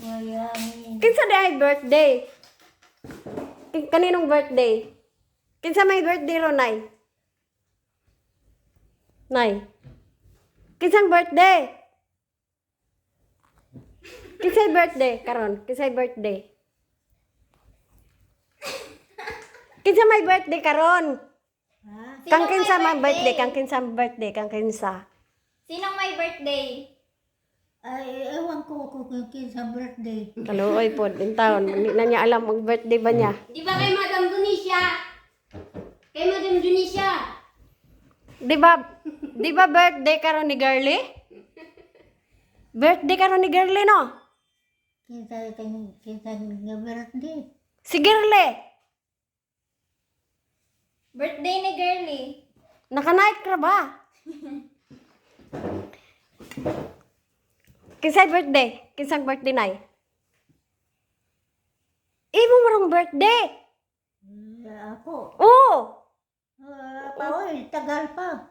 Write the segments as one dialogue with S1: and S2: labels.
S1: Kinsa day birthday? Kaninong birthday? Kinsa may birthday ro, Nay? Nay? Kinsang birthday? Kinsay birthday karon? Kinsay birthday? Kinsa may birthday karon? Kang kinsa may birthday? Kang kinsa birthday? Kang kinsa?
S2: Sinong may birthday?
S3: Ay, ewan ko kung kinsa birthday.
S1: Kaluoy po, din taon. Hindi na niya alam ang birthday ba niya.
S2: Di ba kay Madam Dunisha? Kay Madam Dunisha.
S1: Di ba birthday karon ni Girly? Birthday karon ni Girly, no?
S3: Kinsa nga birthday.
S1: Si Girly.
S2: Birthday ni Girly.
S1: Naka-night ka ba? Kinsay birthday? Kinsang birthday, Nay? Imo marong birthday?
S3: Ako.
S1: Oo.
S3: Oy, tagal pa.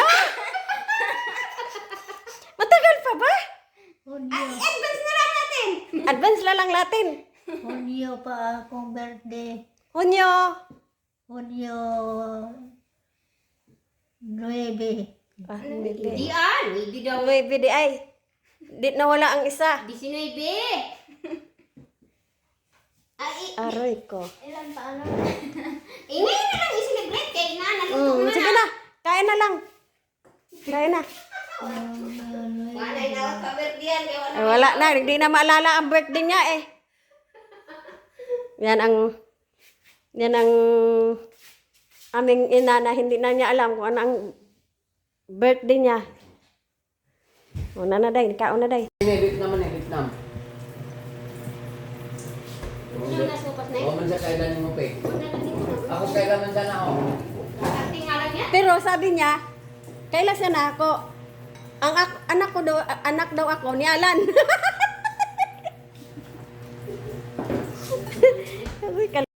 S1: Matagal pa ba?
S3: Hunyo.
S2: Advance na lang natin.
S1: Advance la lang natin.
S3: Hunyo pa akong birthday.
S1: Hunyo.
S3: Hunyo 9.
S1: Ah, hindi.
S2: Hindi daw.
S1: May BDI. Di nawala ang isa.
S2: 19. Ay,
S1: Aroy ko.
S2: ilan pa ano? Ngayon na lang i-celebrate kay na. Naluto na.
S1: Sige na. Kain na lang. Kain na.
S2: Wala na ako sa birthday yan. Kaya wala.
S1: Ay, wala na. Hindi na maalala ang birthday niya eh. Yan ang aming ina na hindi na niya alam kung ano ang birthday niya. Una na day. Kaon na day.
S4: Vietnam na Vietnam.
S2: Ano na supas na
S4: Oo man sa kailan mo pe.
S2: Wala na dito.
S4: Ako kailan man sana ako.
S2: Acting nga lang yan.
S1: Pero sabi niya, kailan siya na ako? Ang anak daw ako ni Alan. Sabi,